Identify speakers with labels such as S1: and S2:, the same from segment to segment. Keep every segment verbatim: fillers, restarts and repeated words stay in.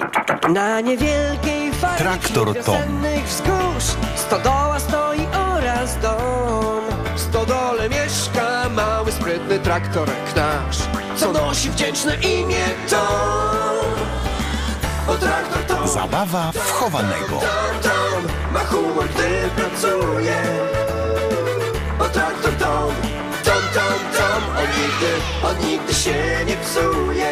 S1: Na niewielkiej farmie
S2: Traktor Tom.
S1: wiosennych wzgórz stodoła stoi oraz dom. W stodole mieszka mały, sprytny traktorek nasz, co nosi wdzięczne imię Tom. O traktor Tom.
S2: Zabawa wchowanego.
S1: Tom, Tom ma humor, gdy pracuje. O traktor Tom. Tom, Tom, Tom. On nigdy, on nigdy się nie psuje.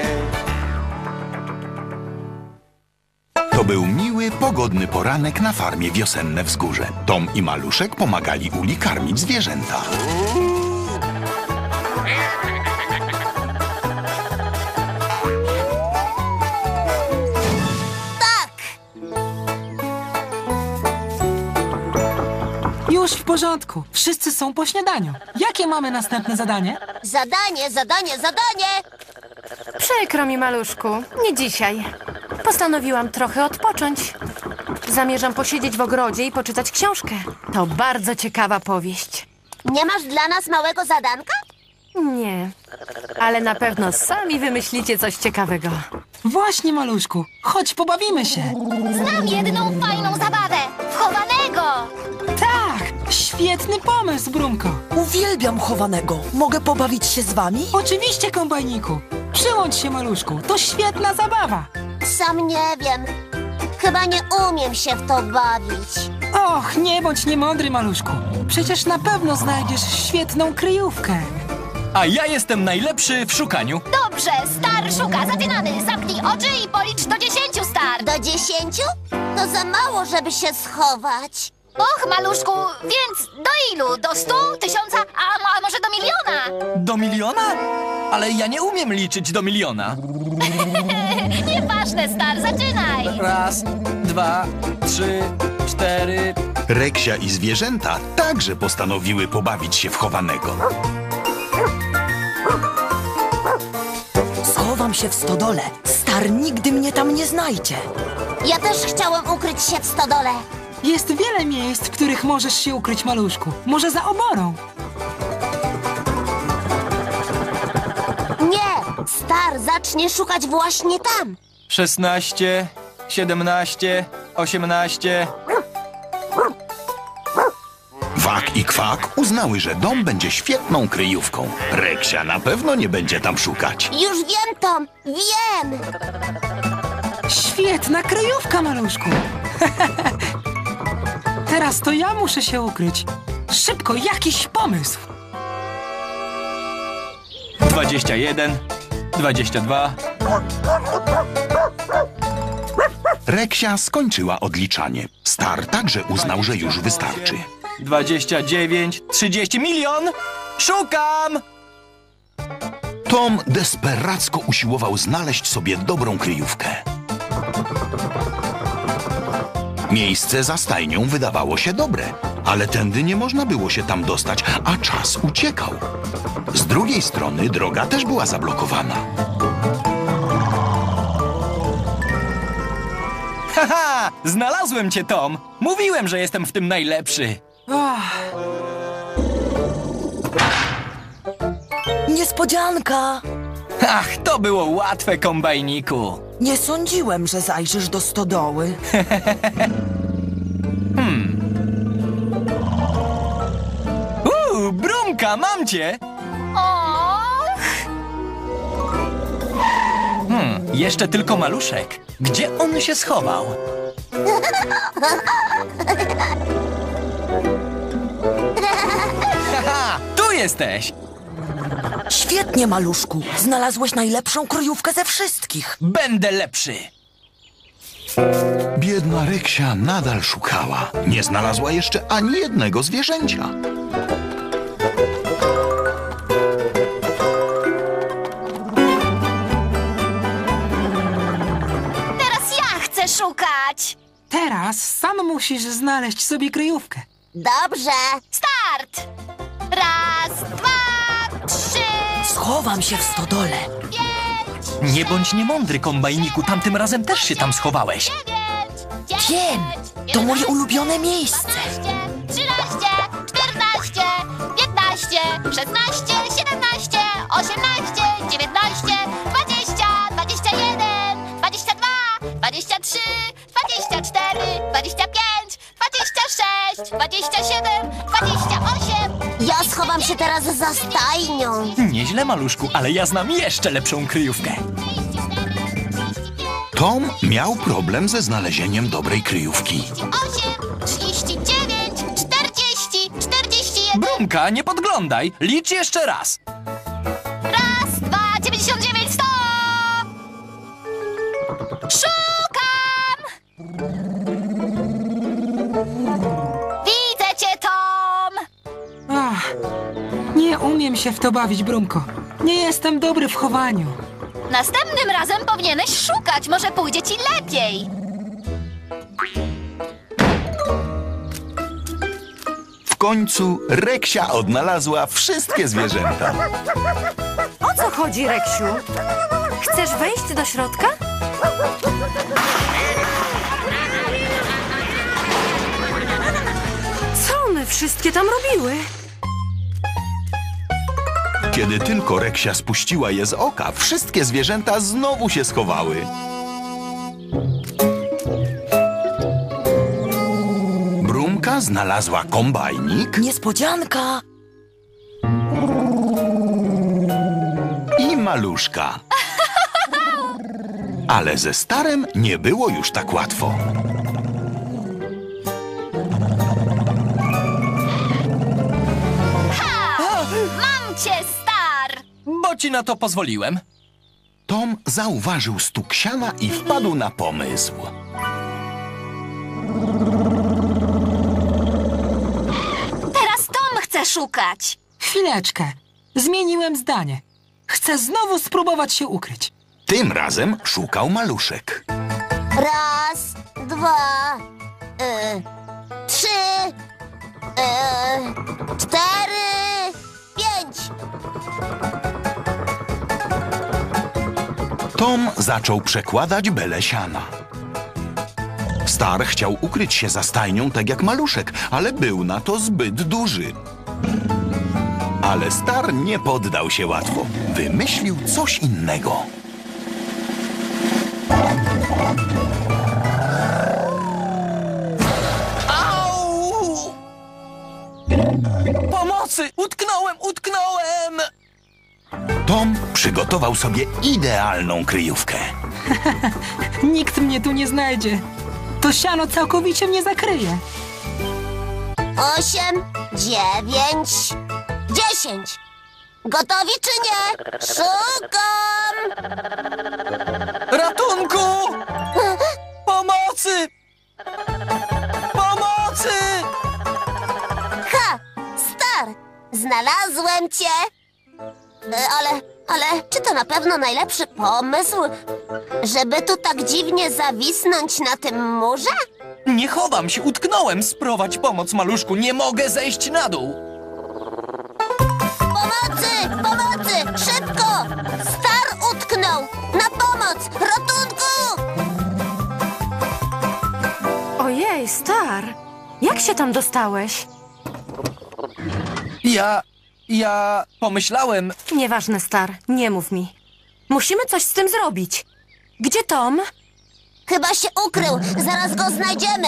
S2: To był miły, pogodny poranek na farmie Wiosenne Wzgórze. Tom i Maluszek pomagali Uli karmić zwierzęta.
S3: Już w porządku. Wszyscy są po śniadaniu. Jakie mamy następne zadanie?
S4: Zadanie, zadanie, zadanie!
S5: Przykro mi, maluszku. Nie dzisiaj. Postanowiłam trochę odpocząć. Zamierzam posiedzieć w ogrodzie i poczytać książkę. To bardzo ciekawa powieść.
S4: Nie masz dla nas małego zadanka?
S5: Nie, ale na pewno sami wymyślicie coś ciekawego.
S3: Właśnie, maluszku. Chodź, pobawimy się.
S4: Znam jedną fajną zabawę! Wchowanego!
S3: Tak, świetny pomysł, Brumko.
S6: Uwielbiam chowanego. Mogę pobawić się z wami?
S3: Oczywiście, kombajniku. Przyłącz się, maluszku. To świetna zabawa.
S4: Sam nie wiem. Chyba nie umiem się w to bawić.
S3: Och, nie bądź niemądry, maluszku. Przecież na pewno znajdziesz świetną kryjówkę.
S7: A ja jestem najlepszy w szukaniu.
S4: Dobrze, Star szuka. Zaczynamy. Zamknij oczy i policz do dziesięciu, Star. Do dziesięciu? To za mało, żeby się schować. Och, maluszku, więc do ilu? Do stu, tysiąca, a, a może do miliona?
S7: Do miliona? Ale ja nie umiem liczyć do miliona.
S4: Nieważne, Star, zaczynaj.
S7: Raz, dwa, trzy, cztery...
S2: Reksia i zwierzęta także postanowiły pobawić się w chowanego.
S6: Schowam się w stodole. Star nigdy mnie tam nie znajdzie.
S4: Ja też chciałem ukryć się w stodole.
S3: Jest wiele miejsc, w których możesz się ukryć, maluszku. Może za oborą.
S4: Nie, Star zacznie szukać właśnie tam.
S7: Szesnaście, siedemnaście, osiemnaście...
S2: Wak i Kwak uznały, że dom będzie świetną kryjówką. Reksia na pewno nie będzie tam szukać.
S4: Już wiem, Tom, wiem.
S3: Świetna kryjówka, maluszku. Teraz to ja muszę się ukryć. Szybko, jakiś pomysł.
S7: Dwadzieścia jeden, dwadzieścia dwa...
S2: Reksia skończyła odliczanie. Star także uznał, że już wystarczy.
S7: Dwadzieścia dziewięć, trzydzieści, milion! Szukam!
S2: Tom desperacko usiłował znaleźć sobie dobrą kryjówkę. Miejsce za stajnią wydawało się dobre, ale tędy nie można było się tam dostać, a czas uciekał. Z drugiej strony droga też była zablokowana.
S7: Haha! Znalazłem cię, Tom! Mówiłem, że jestem w tym najlepszy.
S3: Ach,
S6: Niespodzianka!
S7: Ach, to było łatwe, kombajniku.
S6: Nie sądziłem, że zajrzysz do stodoły.
S7: Uuu, Brumka, mam cię!
S4: Och,
S7: Hmm, jeszcze tylko Maluszek. Gdzie on się schował? Haha, tu jesteś!
S6: Świetnie, maluszku. Znalazłeś najlepszą kryjówkę ze wszystkich.
S7: Będę lepszy!
S2: Biedna Reksia nadal szukała. Nie znalazła jeszcze ani jednego zwierzęcia.
S4: teraz ja chcę szukać.
S3: teraz sam musisz znaleźć sobie kryjówkę.
S4: Dobrze. Start! Raz, dwa, trzy,
S6: Schowam się w stodole.
S4: pięć,
S7: Nie bądź niemądry, kombajniku, tamtym razem też się tam schowałeś.
S4: dziewięć,
S6: Wiem, to moje ulubione miejsce.
S4: dwanaście, trzynaście, czternaście, piętnaście, szesnaście, siedemnaście, osiemnaście, dziewiętnaście, dwadzieścia, dwadzieścia jeden, dwadzieścia dwa, dwadzieścia trzy, dwadzieścia cztery, dwadzieścia pięć, dwadzieścia sześć, dwadzieścia siedem, dwadzieścia osiem. Ja schowam się teraz za stajnią.
S7: Nieźle, maluszku, ale ja znam jeszcze lepszą kryjówkę.
S2: Tom miał problem ze znalezieniem dobrej kryjówki.
S4: osiem, trzydzieści dziewięć, czterdzieści, czterdzieści jeden.
S7: Brumka, nie podglądaj. Licz jeszcze raz.
S4: Raz, dwa, dziewięćdziesiąt dziewięć, sto! Szukam! Widzę cię, Tom!
S3: Ach, nie umiem się w to bawić, Brumko. Nie jestem dobry w chowaniu.
S4: Następnym razem powinieneś szukać, może pójdzie ci lepiej.
S2: W końcu Reksia odnalazła wszystkie zwierzęta.
S5: O co chodzi, Reksiu? Chcesz wejść do środka? Co one wszystkie tam robiły?
S2: Kiedy tylko Reksia spuściła je z oka, wszystkie zwierzęta znowu się schowały. Brumka znalazła kombajnik
S6: Niespodzianka!
S2: i maluszka. Ale ze Starem nie było już tak łatwo.
S4: Mam cię, Star!
S7: Bo ci na to pozwoliłem.
S2: Tom zauważył stuk siana i wpadł na pomysł.
S4: Teraz Tom chce szukać.
S3: Chwileczkę. Zmieniłem zdanie. Chcę znowu spróbować się ukryć.
S2: Tym razem szukał maluszek.
S4: Raz, dwa, y, trzy, y, cztery, pięć.
S2: Tom zaczął przekładać belę siana. Star chciał ukryć się za stajnią tak jak maluszek, ale był na to zbyt duży. Ale Star nie poddał się łatwo. Wymyślił coś innego.
S7: Au! Pomocy! Utknąłem, utknąłem!
S2: Tom przygotował sobie idealną kryjówkę.
S3: Nikt mnie tu nie znajdzie. To siano całkowicie mnie zakryje.
S4: Osiem, dziewięć, dziesięć. Gotowi czy nie? Szukam!
S7: Ratunku! Pomocy! Pomocy!
S4: Ha! Star! Znalazłem cię! E, Ale, ale czy to na pewno najlepszy pomysł? Żeby tu tak dziwnie zawisnąć na tym murze?
S7: Nie chowam się, utknąłem. Sprowadź pomoc, maluszku. Nie mogę zejść na dół.
S4: Pomocy! Pomocy! Szybko! Star utknął! Na pomoc! Ratunku!
S5: Ojej, Star! Jak się tam dostałeś?
S7: Ja... ja... pomyślałem...
S5: Nieważne, Star, nie mów mi. Musimy coś z tym zrobić. Gdzie Tom?
S4: Chyba się ukrył! Zaraz go znajdziemy!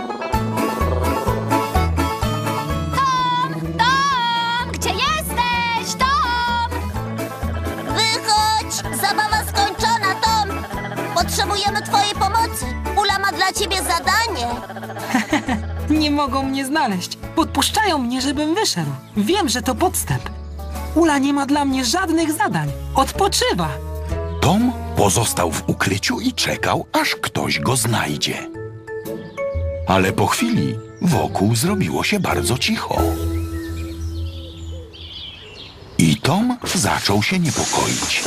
S4: Tom! Tom! Gdzie jesteś? Tom! Wychodź! Zabawa skończona, Tom! Potrzebujemy twojej pomocy! Ula ma dla ciebie zadanie!
S3: Nie mogą mnie znaleźć. Podpuszczają mnie, żebym wyszedł. Wiem, że to podstęp. Ula nie ma dla mnie żadnych zadań. Odpoczywa.
S2: Tom pozostał w ukryciu i czekał, aż ktoś go znajdzie. Ale po chwili wokół zrobiło się bardzo cicho. I Tom zaczął się niepokoić.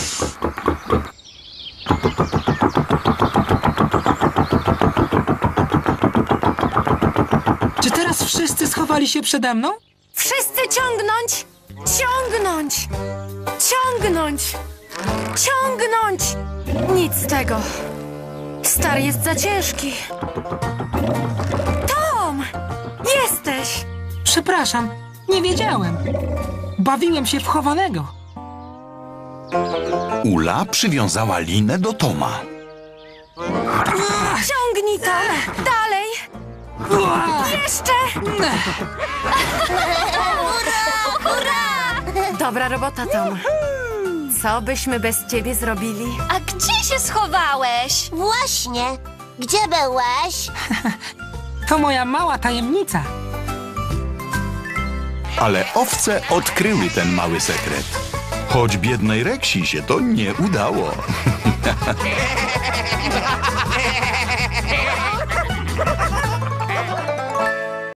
S3: Czy teraz wszyscy schowali się przede mną?
S5: Wszyscy ciągnąć! Ciągnąć! Ciągnąć! Ciągnąć! Nic z tego. Star jest za ciężki. Tom! Jesteś!
S3: Przepraszam, nie wiedziałem. Bawiłem się w chowanego.
S2: Ula przywiązała linę do Toma.
S5: Ciągnij to! Dalej! Jeszcze! Dobra robota, Tom. Co byśmy bez ciebie zrobili?
S4: A gdzie się schowałeś? Właśnie. Gdzie byłeś?
S3: To moja mała tajemnica.
S2: Ale owce odkryły ten mały sekret. Choć biednej Reksi się to nie udało.